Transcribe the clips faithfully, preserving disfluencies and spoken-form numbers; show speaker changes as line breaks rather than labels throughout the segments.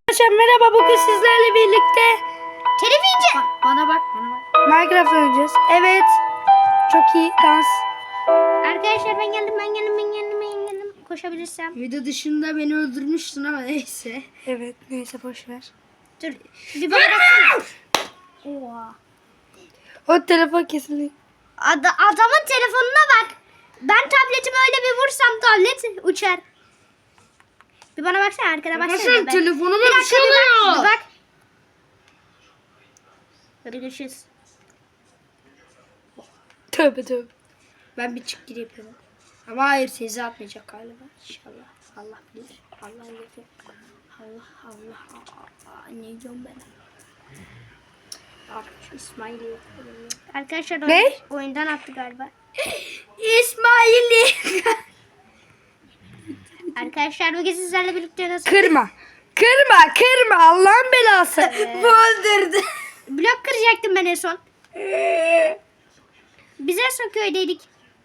Arkadaşlar merhaba, bugün sizlerle birlikte
televizyon.
Bana bak, bana bak. Minecraft oynayacağız. Evet. Çok iyi dans.
Arkadaşlar ben geldim, ben geldim, ben geldim, ben geldim. Koşabilirsem.
Video dışında beni öldürmüştün ama neyse. Evet, neyse boş ver.
Dur. Bir bana baksana. Oha.
O telefon kesinlikle.
Ad adamın telefonuna bak. Ben tabletimi öyle bir vursam tablet uçar. Bir bana baksana, arkada baksana.
Arkadaşlar
Ben-
telefonuma
Bir
bir
dakika,
şey
bir bak,
oluyor.
bir bak. Hadi görüşürüz.
Tövbe tövbe. Ben bir çık gir yapıyorum. Ama hayır, sizi atmayacak galiba. İnşallah. Allah bilir. Allah yapıyor. Allah Allah. Aa, ne diyorum ben? Arkadaş İsmail'i.
Arkadaşlar
Ne?
oyun- oyundan attı galiba.
İsmail'i.
Arkadaşlar bugün sizlerle birlikte nasıl?
Kırma. Kırma kırma Allah'ın belası.
Evet.
Bu öldürdü.
Blok kıracaktım ben en son. Biz en son köydeydik.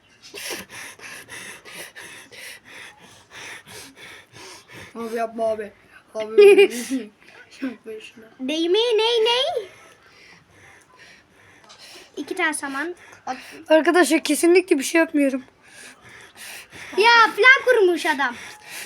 Abi yapma abi. Abi. Yapma şunu.
Ney mi? Ney ney? İki tane saman.
Arkadaşlar kesinlikle bir şey yapmıyorum.
Ya plan kurmuş adam.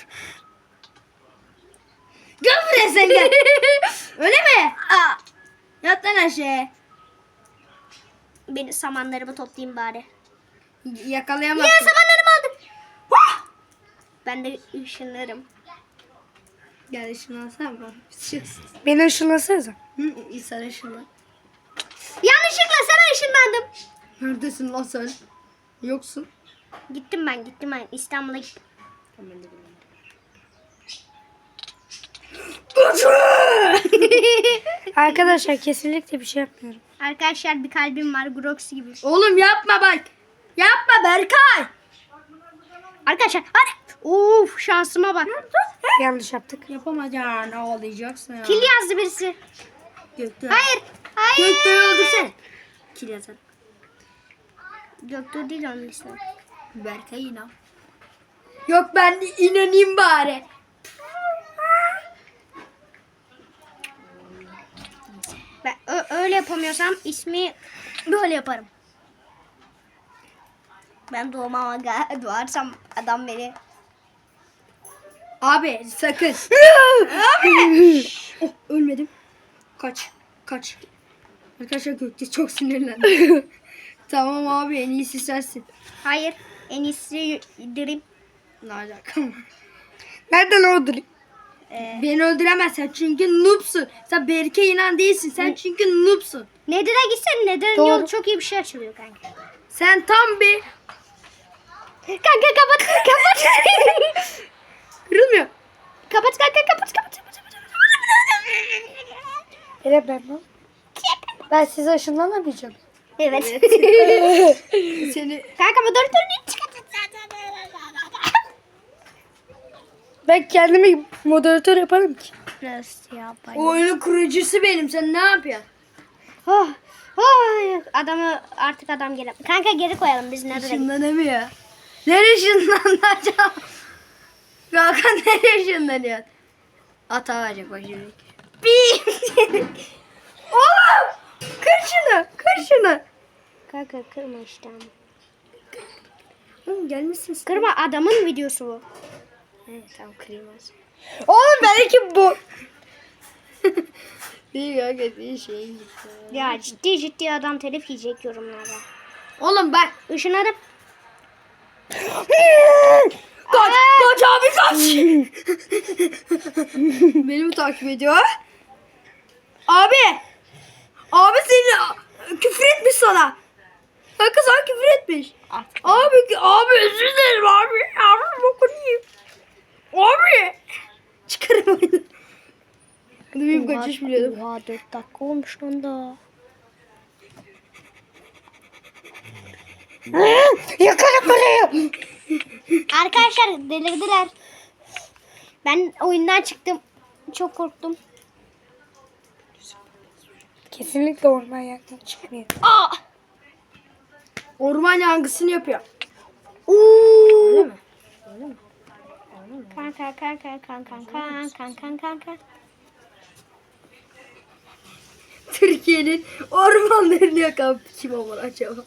Gel buraya sen gel. Öyle mi? Aa. Yat lan aşağı.
Benim samanlarımı toplayayım bari.
Yakalayamazsın.
Ya samanlarımı aldım. Ben de ışınlarım.
Gel ışınlansana bana. Beni ışınlasanıza. Hı, sen ışınlan.
Yanlışlıkla sana ışınlandım.
Neredesin lan sen? Yoksun.
Gittim ben gittim ben. İstanbul'a gittim.
Arkadaşlar kesinlikle bir şey yapmıyorum.
Arkadaşlar bir kalbim var. Grox gibi.
Oğlum yapma bak. Yapma Berkay.
Arkadaşlar hadi. Of şansıma bak.
Yanlış yaptık. Yapamayacaksın. Ağlayacaksın ya.
Kil yazdı birisi.
Göktuğ.
Hayır. Hayır.
Göktuğ'u öldürsene. Kil yazar.
Göktuğ değil onun ismi.
Berkay inan. Yok ben de inanayım bari.
Ben ö- öyle yapamıyorsam ismi böyle yaparım. Ben doğmama ga- doğarsam adam beni.
Abi sakın. Abi. Oh, ölmedim. Kaç. Kaç. Arkadaşlar Gökçe çok sinirlendi. Tamam abi, en iyisi sensin.
Hayır. En iyisi Dream.
Ne alaka? Nereden öldüreyim?
Ee,
Beni öldüremezsen çünkü noobsun. Sen Berke inan değilsin. Sen çünkü noobsun.
Nedir'e gitsen Nedir'in
Doğru.
yolu çok iyi bir şey açılıyor kanka.
Sen tam bir
Kanka kapat kapat.
kırılmıyor.
kapat kanka kapat kapat. kapat.
Hele ben lan. Ben size ışınlanamayacağım.
Evet.
Seni
Kanka moderatörünü çıkart.
ben kendimi moderatör yaparım ki.
Nasıl yapayım?
Oyunun kurucusu benim. Sen ne yapıyorsun?
Oh, oh, adamı artık adam gele. Kanka geri koyalım biz nerede?
Işınlanamıyor. Nereye ışınlanacağım? Hakan nereye ışınlanıyor? Ata verecek bak şimdi. Bir. Oğlum! Kır şunu. Kır şunu.
Kanka kırma işte ama.
Oğlum gelmişsin.
Kırma, adamın videosu bu.
Evet tamam, kırılmaz. Oğlum belki bu. Bir kanka bir şey.
Ya ciddi ciddi adam telif yiyecek yorumlarda.
Oğlum bak.
Işınladım.
Kaç, kaç abi kaç. Beni mi takip ediyor? Abi. Abi seni küfür etmiş sana. Kanka sana küfür etmiş. Abi, abi özür dilerim abi. Abi bokunu yiyeyim. Abi. Çıkarım oyunu. Hadi benim kaçış biliyordum.
Oha dört dakika olmuş lan da.
Yakarım burayı.
Arkadaşlar delirdiler. Ben oyundan çıktım. Çok korktum.
Kesinlikle orman yangını çıkmıyor.
Aa!
Orman yangısını yapıyor.
Uuu.
Öyle mi?
Kanka kanka kanka kanka kanka kanka kanka.
Türkiye'nin ormanlarını yakan kim olur acaba?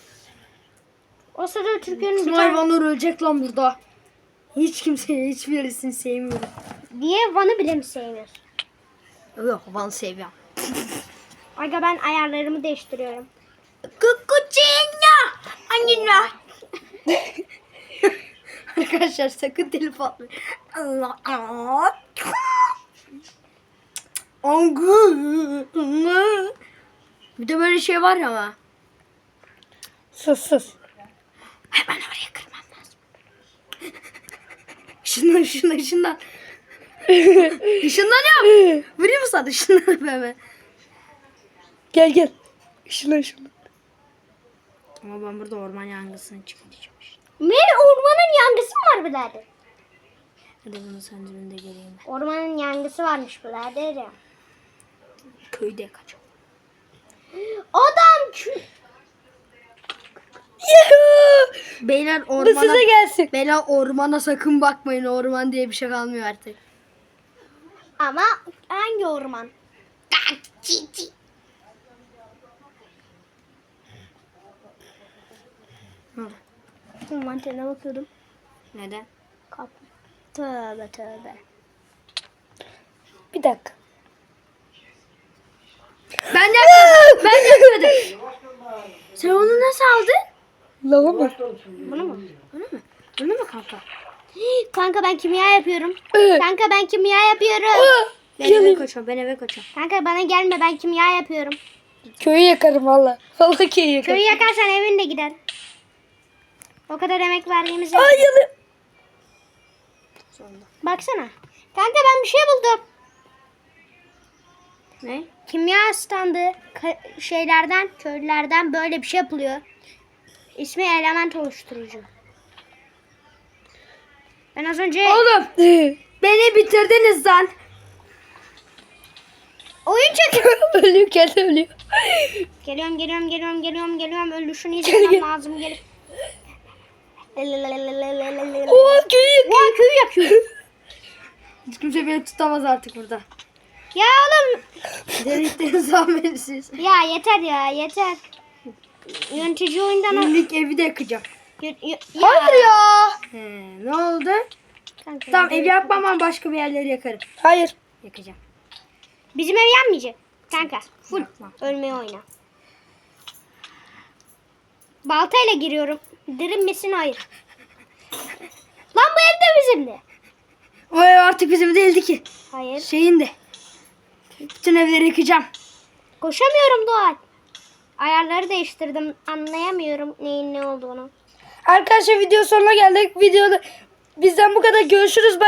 O sırada Türkiye'nin bir
Tüm
tane...
hayvanlar ölecek lan burada. Hiç kimseyi, hiçbirisini sevmiyorum.
Niye Van'ı bile mi sevmiyorsun?
Yok, Van'ı seviyorum.
Aga ben ayarlarımı değiştiriyorum.
Kukuçinya! Annina! Arkadaşlar sakın telif atmayın. Allah Allah. Angı. Bir de böyle şey var ya ama.
Sus sus.
Hemen oraya kırmam lazım. Şundan şundan şundan. Şundan yap. Vurayım mı sana? Şundan yap hemen.
Gel gel. Şuna şuna.
Ama ben burada orman yangısını çıkaracağım.
Ne? Ormanın yangısı mı var birader?
Hadi bunu sen dibinde geleyim.
Ormanın yangısı varmış birader ya.
Köyde kaçalım.
Adam kü...
Yuhuu.
Beyler
Bu
ormana...
size gelsin.
Beyler ormana sakın bakmayın. Orman diye bir şey kalmıyor artık.
Ama hangi orman?
Hı.
Mantene bakıyordum.
Neden?
Kapı. Tövbe tövbe.
Bir dakika.
Ben yakmadım. Ben yakmadım. Sen onu nasıl aldın?
Lava mı?
Bunu mu?
Bunu mu? Bunu mu kanka?
Kanka ben kimya yapıyorum.
Ee.
Kanka ben kimya yapıyorum.
Ben eve
Yanayım.
kaçıyorum. Ben eve kaçıyorum.
Kanka bana gelme ben kimya yapıyorum.
Köyü yakarım valla. Valla köyü yakarım.
Köyü yakarsan evin de gider. O kadar emek verdiğimiz yok.
Ay yanı.
Sonunda.
Baksana. Kanka ben bir şey buldum.
Ne?
Kimya standı ka- şeylerden, köylülerden böyle bir şey yapılıyor. İsmi element oluşturucu. Ben az önce
Oğlum. Beni bitirdiniz lan.
oyun çekiyorum.
ölüyor kendi ölüyor.
Geliyorum, geliyorum, geliyorum, geliyorum, geliyorum. Ölüşünü
Gel,
izlemem
gel.
lazım. Gel.
Oha köyü yakıyor.
Ulan köyü yakıyor.
Hiç kimse beni tutamaz artık burada.
Ya oğlum.
Delikten zahmetsiz.
Ya yeter ya yeter. Yönetici oyundan o...
Günlük evi de yakacağım.
Yö- yö-
Hayır ya.
He, ne oldu?
Kanka,
Tamam
ya.
ev yakmam ama başka bir yerleri yakarım.
Hayır.
Yakacağım.
Bizim ev yanmayacak. Kanka full
Yakmam.
ölmeye oyna. Baltayla giriyorum. Dirim misin? Hayır. Lan bu ev de bizimdi.
O ev artık bizim değildi ki.
Hayır.
Şeyin de. Bütün evleri yıkacağım.
Koşamıyorum Doğan. Ayarları değiştirdim. Anlayamıyorum neyin ne olduğunu.
Arkadaşlar video sonuna geldik. Videoda bizden bu kadar. Görüşürüz. Bye.